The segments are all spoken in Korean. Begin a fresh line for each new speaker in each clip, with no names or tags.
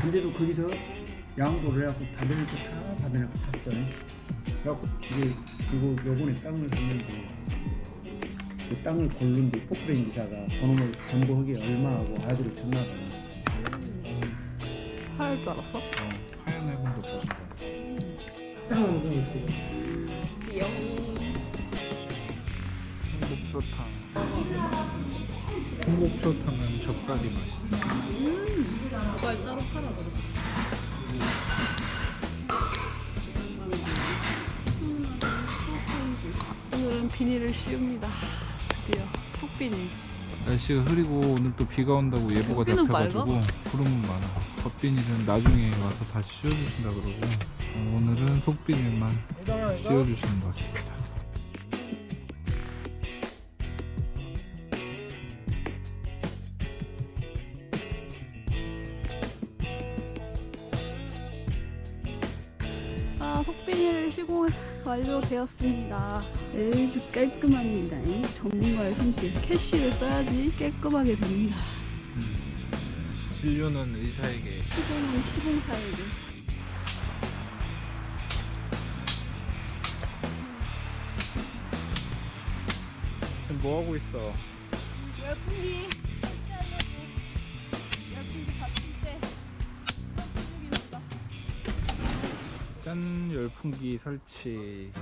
근데도 거기서 양보를 해갖고 받으니까 다 받으니까 샀어요. 그래갖고 이게 이거 요번에 땅을 샀는데 그 땅을 고르는데 포크레인 기사가 그놈을 정보하기 얼마하고 아들을 쳤나 봐요.
하얄 줄 알았어?
하얀 해군도 보신다.
쌍을 그거
귀여워.
홍복소탕. 홍복소탕은 젓갈이 맛있어.
젓갈 따로 팔아 그러지. 오늘은 비닐을 씌웁니다. 드디어 속비닐.
날씨가 흐리고 오늘 또 비가 온다고 예보가
햇빛은
잡혀가지고 구름은 많아. 겉비닐은 나중에 와서 다시 씌워주신다 그러고 오늘은 속비닐만 씌워주시는 것 같습니다.
속비닐 시공 완료되었습니다. 아주 깔끔합니다. 전문가의 손길. 캐쉬를 써야지 깔끔하게 됩니다.
진료는 의사에게.
시공은 시공사에게.
지금 뭐 하고 있어?
열풍기 설치하려고. 열풍기 받칠 때 중입니다.
짠, 열풍기 설치.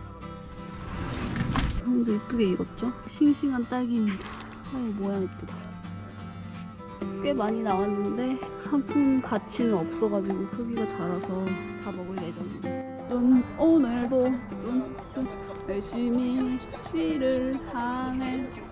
형도 이쁘게 익었죠? 싱싱한 딸기입니다. 아유 모양 이쁘다. 꽤 많이 나왔는데 상품 가치는 없어가지고 크기가 작아서 다 먹을 예정입니다. 오늘도 열심히 일을 하네.